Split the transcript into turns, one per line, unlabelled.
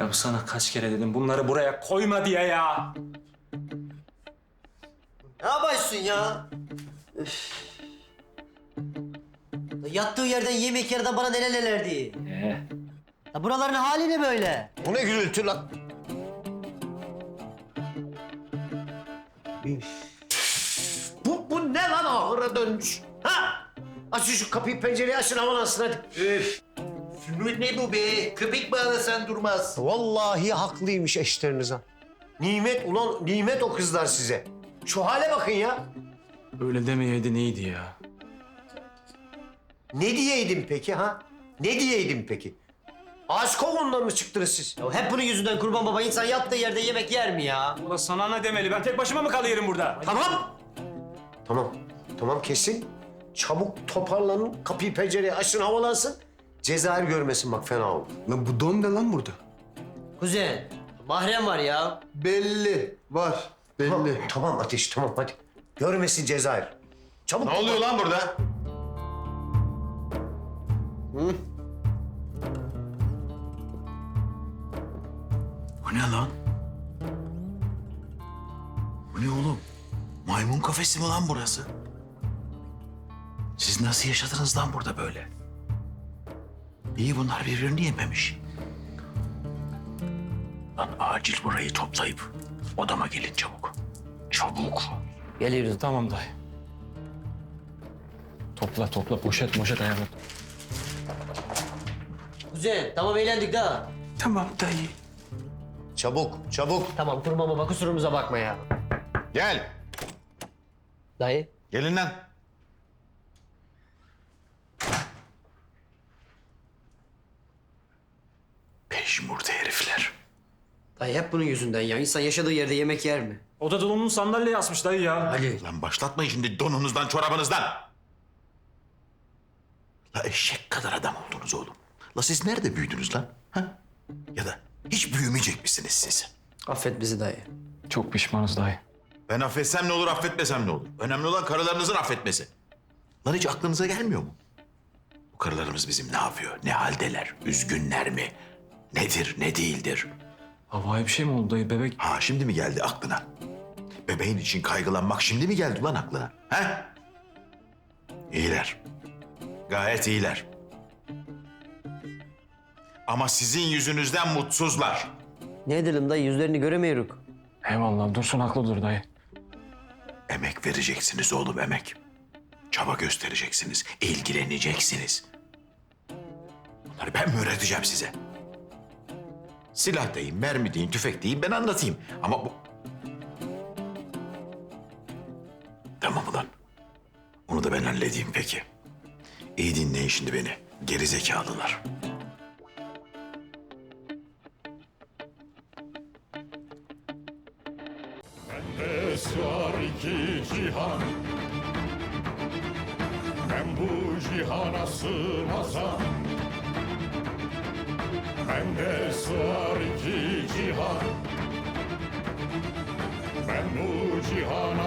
Ya sana kaç kere dedim bunları buraya koyma diye ya.
Ne yapıyorsun ya? Üf. Yattığı yerden yemek yerden bana neler neler diye. Ya buraların hali ne böyle?
Bu ne gürültü lan? Bu ne lan ahıra dönmüş? Ha? Açın şu kapıyı pencereyi açın havalansın hadi.
Üf! Ne bu be? Köpek bağlasan durmaz.
Vallahi haklıymış eşleriniz ha. Nimet ulan nimet o kızlar size. Şu hale bakın ya.
Öyle demeyeydi neydi ya?
Ne diyeydim peki ha? Ne diyeydim peki? Ağaç kovuğundan mı çıktınız siz?
Ya hep bunun yüzünden kurban baba insan yattığı yerde yemek yer mi ya?
Ulan sana ne demeli? Ben tek başıma mı kalıyorum burada?
Tamam. Tamam. Tamam kesin. Çabuk toparlanın. Kapıyı pencereyi açın havalansın. Cezayir görmesin bak fena olur.
Lan bu don ne lan burada?
Kuzen, mahrem var ya.
Belli. Var.
Tamam,
Belli.
tamam Ateş tamam hadi. Görmesin Cezayir. Çabuk.
Ne oluyor lan burada?
Bu ne lan? Bu ne oğlum? Maymun kafesi mi lan burası? Siz nasıl yaşadınız lan burada böyle? İyi bunlar birbirini yememiş. Lan acil burayı toplayıp odama gelin çabuk. Çabuk.
Geliyoruz.
Tamam dayı. Topla poşet ayarla.
Kuzen, tamam eğlendik daha.
Tamam dayı.
Çabuk çabuk.
Tamam kurban baba kusurumuza bakma ya.
Gel.
Dayı.
Gelin lan.
Peşmurda herifler.
Dayı hep bunun yüzünden ya. İnsan yaşadığı yerde yemek yer mi?
Oda dolabının sandalyeye asmış dayı ya.
Ali.
Lan başlatmayın şimdi donunuzdan, çorabınızdan.
La eşek kadar adam oldunuz oğlum. La siz nerede büyüdünüz lan? Ha? Ya da hiç büyümeyecek misiniz siz?
Affet bizi dayı.
Çok pişmanız dayı.
Ben affetsem ne olur, affetmesem ne olur? Önemli olan karılarınızın affetmesi.
Lan hiç aklınıza gelmiyor mu? Bu karılarımız bizim ne yapıyor? Ne haldeler? Üzgünler mi? Nedir, ne değildir?
Havai bir şey mi oldu dayı bebek?
Ha şimdi mi geldi aklına? Bebeğin için kaygılanmak şimdi mi geldi lan aklına? Ha? İyiler.
Gayet iyiler. Ama sizin yüzünüzden mutsuzlar.
Ne edelim dayı yüzlerini göremiyoruz.
Eyvallah Dursun haklıdır dayı.
Emek vereceksiniz oğlum emek. Çaba göstereceksiniz, ilgileneceksiniz. Bunları ben mi öğreteceğim size?
Silah deyin, mermi deyin, tüfek deyin ben anlatayım. Ama bu...
Tamam ulan. Onu da ben halledeyim peki. İyi dinleyin şimdi beni. Geri zekalılar.
Bende sığar iki cihan. Ben bu cihana sığmazam. Bende sığar iki cihan. Ben bu cihana